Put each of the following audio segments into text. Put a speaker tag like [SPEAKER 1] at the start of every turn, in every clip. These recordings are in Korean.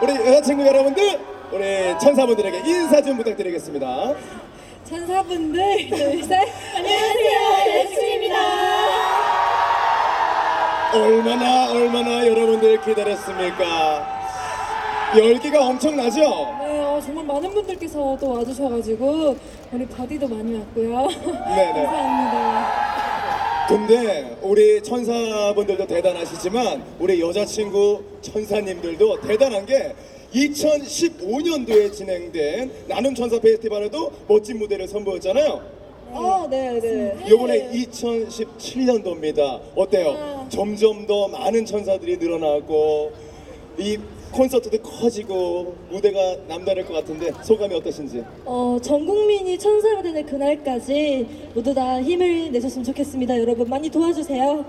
[SPEAKER 1] 우리 여자친구 여러분들, 우리 천사분들에게 인사 좀 부탁드리겠습니다.
[SPEAKER 2] 천사분들, 둘, 셋. 안녕하세요, 여자친구입니다.
[SPEAKER 1] 얼마나 여러분들 기다렸습니까? 열기가 엄청나죠?
[SPEAKER 2] 네, 정말 많은 분들께서 또 와주셔가지고 우리 바디도 많이 왔고요.
[SPEAKER 1] 네네.
[SPEAKER 2] 감사합니다.
[SPEAKER 1] 근데 우리 천사분들도 대단하시지만 우리 여자친구 천사님들도 대단한 게 2015년도에 진행된 나눔 천사 페스티벌에도 멋진 무대를 선보였잖아요.
[SPEAKER 2] 네.
[SPEAKER 1] 요번에 2017년도입니다. 어때요? 점점 더 많은 천사들이 늘어나고 이 콘서트도 커지고 무대가 남다를 것 같은데 소감이 어떠신지?
[SPEAKER 2] 전 국민이 천사가 되는 그날까지 모두 다 힘을 내셨으면 좋겠습니다. 여러분 많이 도와주세요.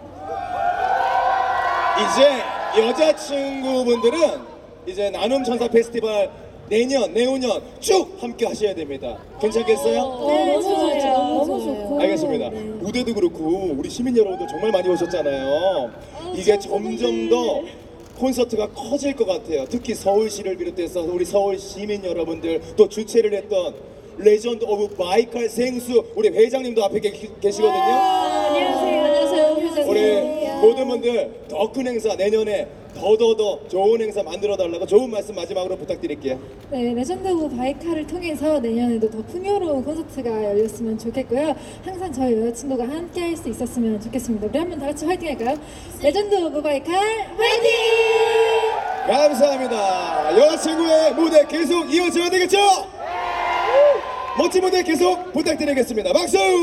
[SPEAKER 1] 이제 여자친구분들은 이제 나눔 천사 페스티벌 내년 쭉 함께 하셔야 됩니다. 괜찮겠어요?
[SPEAKER 2] 네, 너무 좋고.
[SPEAKER 1] 알겠습니다. 무대도 그렇고 우리 시민 여러분들 정말 많이 오셨잖아요. 이게 점점 더 콘서트가 커질 것 같아요. 특히 서울시를 비롯해서 우리 서울 시민 여러분들, 또 주최를 했던 레전드 오브 바이칼 생수 우리 회장님도 앞에 계시거든요.
[SPEAKER 2] 안녕하세요.
[SPEAKER 1] 우리 모든 분들 더 큰 행사 내년에 더 좋은 행사 만들어 달라고 좋은 말씀 마지막으로 부탁드릴게요.
[SPEAKER 2] 네, 레전드 오브 바이칼을 통해서 내년에도 더 풍요로운 콘서트가 열렸으면 좋겠고요. 항상 저희 여자친구가 함께 할 수 있었으면 좋겠습니다. 우리 한번 다 같이 화이팅 할까요? 레전드 오브 바이칼 화이팅!
[SPEAKER 1] 감사합니다. 여자친구의 무대 계속 이어져야 되겠죠? 멋진 무대 계속 부탁드리겠습니다. 박수!